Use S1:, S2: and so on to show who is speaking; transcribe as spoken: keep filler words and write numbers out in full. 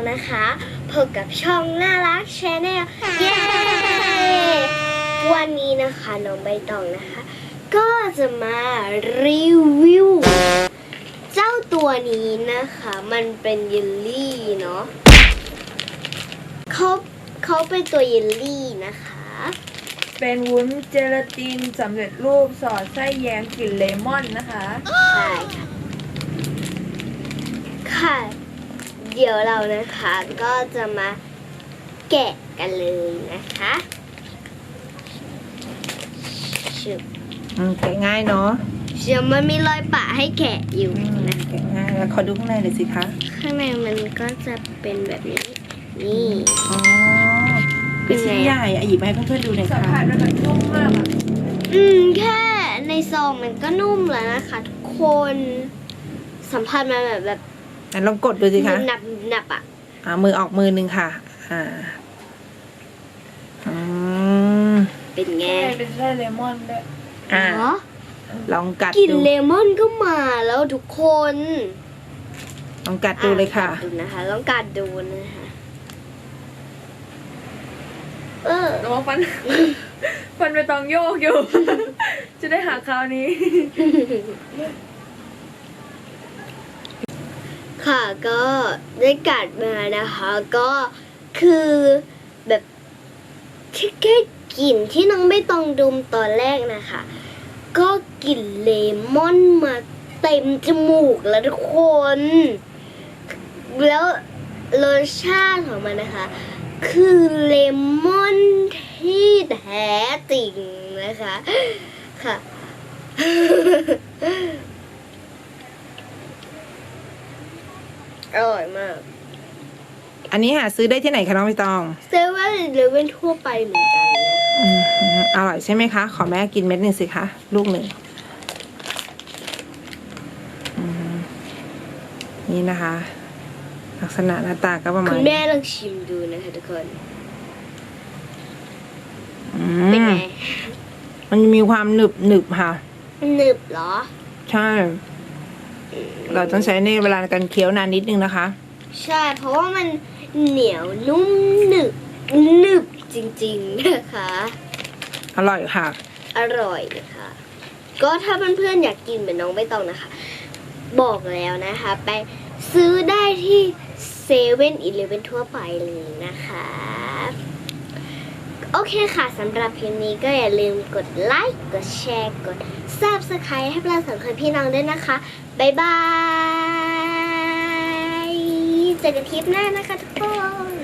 S1: นะคะพบกับช่องน่ารักแชนแนลเย้วันนี้นะคะน้องใบตองนะคะก็จะมารีวิวเจ้าตัวนี้นะคะมันเป็นเยลลี่เนาะเขาเขาเป็นตัวเยลลี่นะคะ
S2: เป็นวุ้นเจลาตินสำเร็จรูปสอดไส้แยมกลิ่นเลมอนนะคะ
S1: ใช่ค่ะค่ะเดี๋ยวเรานะคะก็จะมาแกะกันเลยนะคะชุบ
S2: แกะง่ายเนาะ
S1: เดี๋ยวมันมีรอยปะให้แกะอยู่นะ
S2: แกะง่ายแล้วขอดูข้างในหน่อยสิคะ
S1: ข้างในมันก็จะเป็นแบบนี้นี่
S2: อ๋อเป็นชิ้นใหญ่อ่ะหยิบให้เพื่อนๆดูหน่อยค่ะสัมผัสมันแบบนุ่มมากอ่ะ
S1: อืมแค่ในซองมันก็นุ่มแล้วนะคะทุกคนสัมผัสมันแบบแบบ
S2: ลองกดดูสิคะ
S1: หนับหนับอ่ะ
S2: อ่ามือออกมือหนึ่งค่ะอ่าอืม
S1: เป็นไง
S2: เป็นไส้เลมอนด้วย
S1: อ่า
S2: ลองกัดดู
S1: กลิ่นเลมอนก็มาแล้วทุกคน
S2: ลองกัดดูเลยค่ะ
S1: ดูนะคะลองกัดดูนะคะเออ
S2: ระวังฟันฟันไปตองโยกอยู่ จะได้หาคราวนี้
S1: ค่ะก็ได้กัดมานะคะก็คือแบบแค่กลิ่นที่น้องไม่ต้องดมตอนแรกนะคะก็กลิ่นเลมอนมาเต็มจมูกแล้วทุกคนแล้วรสชาติของมันนะคะคือเลมอนที่แท้จริงนะคะค่ะ อร่อยมาก
S2: อันนี้หาซื้อได้ที่ไหนคะน้องใบตอง
S1: เซเว่นหรือเว่นทั่วไปเหมือนกันนะ
S2: อร่อยใช่ไหมคะขอแม่กินเม็ดหนึ่งสิคะลูกหนึ่งนี่นะคะลักษณะหน้าตาก็ประมาณ
S1: คุณแม่ลองชิมดูนะคะทุกคนเป็นไง
S2: มันมีความหนึบหนึบค่ะ
S1: หนึบเหรอ
S2: ใช่เราต้องใช้ในเวลาการเคี้ยวนานนิดนึงนะคะ
S1: ใช่เพราะว่ามันเหนียวนุ่มหนึบหนึบจริงๆนะคะ
S2: อร่อยค่ะ
S1: อร่อยค่ะก็ถ้าเพื่อนๆอยากกินเหมือนน้องใบตองนะคะบอกแล้วนะคะไปซื้อได้ที่เซเว่นอีเลฟเว่นทั่วไปเลยนะคะโอเคค่ะสำหรับคลิปนี้ก็อย่าลืมกดไลค์กดแชร์กด ซับสไครบ์ ให้เราสองคนพี่น้องด้วยนะคะบ๊ายบายเจอกันคลิปหน้านะคะทุกคน